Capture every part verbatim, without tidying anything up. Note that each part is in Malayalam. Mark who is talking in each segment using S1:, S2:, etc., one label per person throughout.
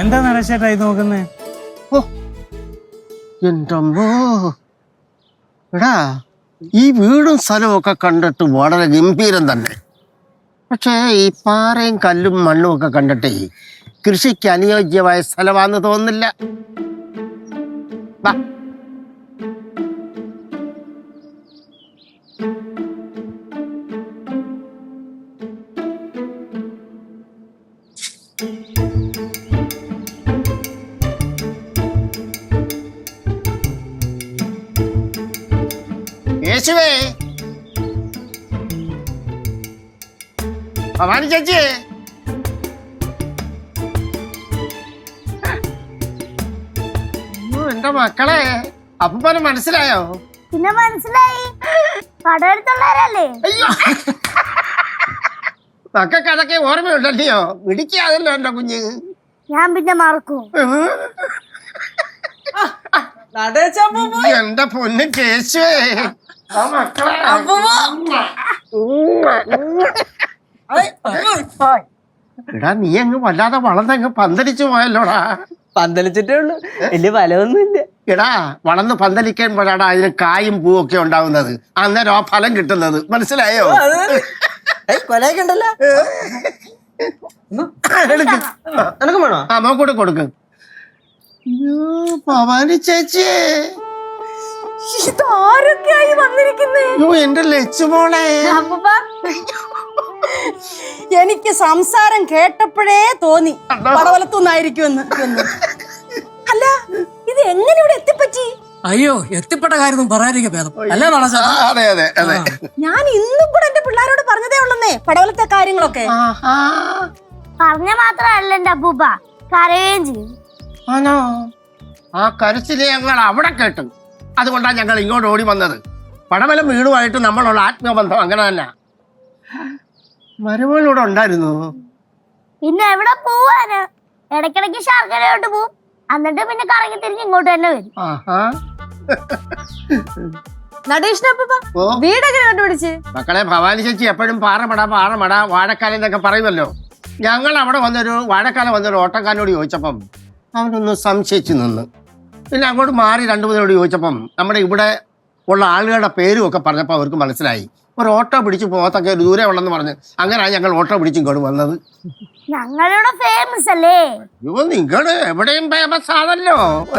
S1: എന്താ നടച്ചേട്ടായി നോക്കുന്നേ?
S2: ഓ എൻ്റെ അമ്മോ, എടാ ഈ വീടും സ്ഥലവും ഒക്കെ കണ്ടിട്ട് വളരെ ഗംഭീരം തന്നെ. പക്ഷേ ഈ പാറയും കല്ലും മണ്ണും ഒക്കെ കണ്ടിട്ടേ കൃഷിക്ക് അനുയോജ്യമായ സ്ഥലമാണെന്ന് തോന്നുന്നില്ല. വാ. യേശുവേ, ഭവാനി ചേച്ചി, എന്റെ മക്കളെ അപ്പൂപ്പനെ മനസ്സിലായോ?
S3: പിന്നെ മനസ്സിലായി, കടയെടുത്തുള്ളവരല്ലേ.
S2: അയ്യോ, മക്കൾക്ക് അതൊക്കെ ഓർമ്മയുണ്ടല്ലയോ? പിടിക്കാതല്ലോ എന്റെ കുഞ്ഞ്.
S3: ഞാൻ പിന്നെ മറക്കും.
S2: എന്റെ പൊന്ന് കേശുവേ, എടാ നീ അങ്ങ് വല്ലാതെ വളർന്നങ്ങ് പന്തലിച്ചു പോയല്ലോടാ.
S4: പന്തലിച്ചിട്ടേ ഉള്ളു, വലിയ ഫലമൊന്നുമില്ല.
S2: എടാ വളർന്ന് പന്തലിക്കുമ്പോഴാണ് അതിന് കായും പൂവും ഒക്കെ ഉണ്ടാവുന്നത്. അന്നേരം ആ ഫലം കിട്ടുന്നത്. മനസ്സിലായോ?
S4: കൊലയൊക്കെ ഉണ്ടല്ലോ. എനക്കും വേണോ?
S2: ആ നോക്കൂടെ കൊടുക്ക്. ഭവാനി ചേച്ചി,
S3: ഇതാരൊക്കെയായി വന്നിരിക്കുന്നേ?
S2: എന്റെ ലച്ചുമോളെ,
S5: എനിക്ക് സംസാരം കേട്ടപ്പോഴേ തോന്നി പടവലത്തുനിന്നായിരിക്കുമെന്ന്. അല്ല, ഇത് എങ്ങനെ ഇവിടെ എത്തിപ്പറ്റി?
S6: അയ്യോ, എത്തിപ്പെട്ട കാര്യം പറയാതിരിക്കും ഭേദം അല്ലേ?
S2: അതെ അതെ അതെ,
S5: ഞാൻ ഇന്നും കൂടെ എന്റെ പിള്ളേരോട് പറഞ്ഞതേ ഉള്ളന്നേ പടവലത്തെ കാര്യങ്ങളൊക്കെ.
S3: പറഞ്ഞ മാത്രല്ല എന്റെ അപ്പൂപ്പ, കരയുകയും ചെയ്യും.
S2: ആണോ? ആ കരച്ചില് ഞങ്ങൾ അവിടെ കേട്ടു. അതുകൊണ്ടാണ് ഞങ്ങൾ ഇങ്ങോട്ട് ഓടി വന്നത്. പടവലം വീടുമായിട്ട് നമ്മളുള്ള ആത്മബന്ധം അങ്ങനെ തന്നെ. മരുമകളിവിടെ ഉണ്ടായിരുന്നു.
S3: പിന്നെ എവിടെ പോവാന്? ഇടയ്ക്കിടയ്ക്ക് ശർക്കരയോട്ട് പോവും, എന്നിട്ട് പിന്നെ കറങ്ങി തിരിഞ്ഞ് ഇങ്ങോട്ട് തന്നെ വരും.
S5: വീടൊക്കെ കണ്ടുപിടിച്ച്
S2: മക്കളെ, ഭവാനി ചേച്ചി എപ്പോഴും പാറമട പാറമട വാഴക്കാലം എന്നൊക്കെ പറയുമല്ലോ. ഞങ്ങൾ അവിടെ വന്നൊരു വാഴക്കാലം വന്നൊരു ഓട്ടക്കാരനോട് ചോദിച്ചപ്പം അവനൊന്ന് സംശയിച്ചു നിന്ന്. പിന്നെ അങ്ങോട്ട് മാറി രണ്ടു മൂന്നിനോട് ചോദിച്ചപ്പം നമ്മുടെ ഇവിടെ ഉള്ള ആളുകളുടെ പേരും ഒക്കെ പറഞ്ഞപ്പോൾ അവർക്ക് മനസ്സിലായി. ഒരു ഓട്ടോ പിടിച്ച് പോകത്തൊക്കെ ഒരു ദൂരെ ഉള്ളെന്ന് പറഞ്ഞ് അങ്ങനെയാണ് ഞങ്ങൾ ഓട്ടോ പിടിച്ച് ഇങ്ങോട്ട് വന്നത്.
S3: ഞങ്ങളുടെ ഫേമസ് അല്ലേ?
S2: അയ്യോ, നിങ്ങള് എവിടെയും ഫേമസ് ആണല്ലോ.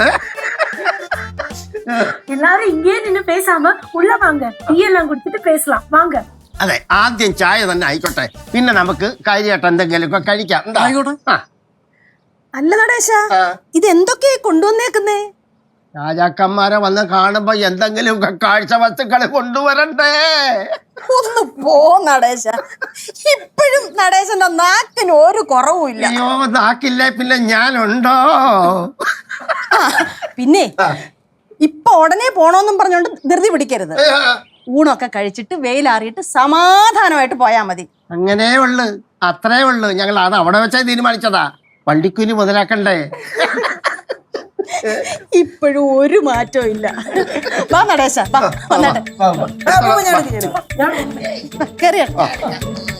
S7: எல்லாரும் இங்கே நின்னு பேசாம உள்ள வாங்க, டீ எல்லாம் குடிச்சிட்டு பேசலாம் வாங்க.
S2: അതെ, ആദ്യം ചായ തന്നെ ആയിക്കോട്ടെ, പിന്നെ നമുക്ക് കാര്യമായിട്ട് എന്തെങ്കിലുമൊക്കെ കഴിക്കാം.
S5: അല്ല നടേശ, ഇത് എന്തൊക്കെയാ കൊണ്ടുവന്നേക്കുന്നേ?
S2: രാജാക്കന്മാരെ വന്ന് കാണുമ്പോ എന്തെങ്കിലുമൊക്കെ കാഴ്ച വസ്തുക്കള് കൊണ്ടുവരണ്ടേ?
S5: ഒന്ന് പോ നടേശ, ഇപ്പോഴും നടേശന്റെ നാക്കിന് ഒരു കുറവുമില്ല.
S2: അയ്യോ, നാക്കില്ലേ പിന്നെ ഞാനുണ്ടോ?
S5: പിന്നെ ഇപ്പൊ ഉടനെ പോണോന്നും പറഞ്ഞോണ്ട് ധൃതി പിടിക്കരുത്. ഊണൊക്കെ കഴിച്ചിട്ട് വെയിലാറിയിട്ട് സമാധാനമായിട്ട് പോയാ മതി.
S2: അങ്ങനെ ഉള്ളു, അത്രേ ഉള്ളു. ഞങ്ങൾ അത് അവിടെ വെച്ചാൽ തീരുമാനിച്ചതാ. വണ്ടിക്കൂലി മുതലാക്കണ്ടേ?
S5: ഇപ്പോഴും ഒരു മാറ്റവും ഇല്ല. വാ നടേശ, വാ വന്നാട്ടെ. കേറിയ